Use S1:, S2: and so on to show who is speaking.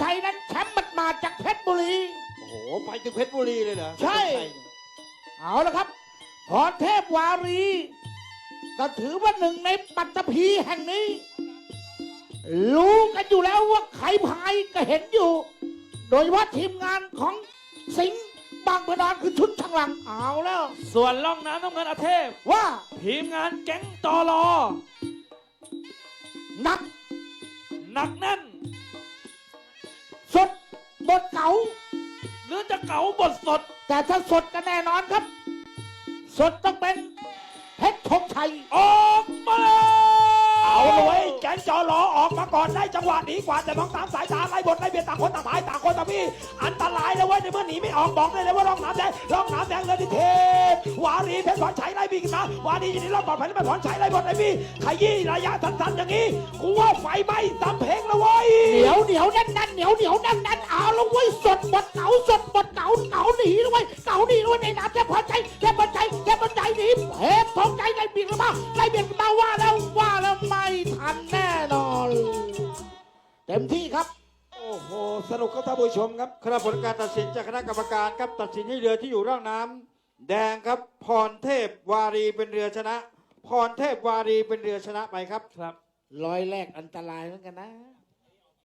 S1: ชัยนั้นแชมป์มาจากเพชรบุรี
S2: โอ้โหไปถึงเพชรบุรีเลยเหรอ
S1: ใช่ เอาละครับพรเทพวารีก็ถือว่าหนึ่งในปัตตภีแห่งนี้ รู้กันอยู่แล้วว่าใครพายก็เห็นอยู่ โดยเฉพาะทีมงานของสิงห์บางประดอนคือชุดช่างหลังเอาแล้ว
S3: ส่วนล่องน้ำน้ำเงินอาเทพ
S1: ว่า
S3: ทีมงานแก๊งตอรอ
S1: หนัก
S3: หนักแน่น
S1: สดบทเก่า
S3: หรือจะเก๋าบทสด
S1: แต่ถ้าสดก็แน่นอนครับ สดต้องเป็นเพชรธงชัย
S3: ออกมาเลย
S4: เอาเลยเว้ยแก๊งจอรอออกมาก่อนได้จังหวะหนีกว่าแต่มองตามสายตาไล่บทไล่เบียดต่างคนต่างหายต่างคนต่างพี่อันตรายเลยเว้ยในเมื่อหนีไม่ออกบอกได้เลยว่าร่องน้ำแดงเลยดิเทพวารีเพชรพรชัยไล่บีกันมาวารีอยู่ในรอบปลอดภัยเพชรพรชัยไล่บทไล่บีขยี้ระยะสั้นๆอย่างนี้กูว่าไฟไหม้ตามเพลงแล้วเว้ย
S1: เหนียวแน่นเหนียวแน่นเอาแล้วเว้ยสดบทเก่าสดบทเก่าหนีด้วยเก่าหนีด้วยในน้ำแค่พอใจหนีเพชรธงชัยไล่เบียดกันมาว่าแล้วไม่ทันแน่นอนเต็มที่ครับ
S4: โอ้โหสนุกครับท่านผู้ชมครับ
S2: คณะผลการตัดสินจากคณะกรรมการครับตัดสินให้เรือที่อยู่ร่องน้ำแดงครับพรเทพวารีเป็นเรือชนะ พรเทพวารีเป็นเรือชนะไปครับ
S3: ครับ
S1: ร้อยแรกอันตรายเหมือนกันนะ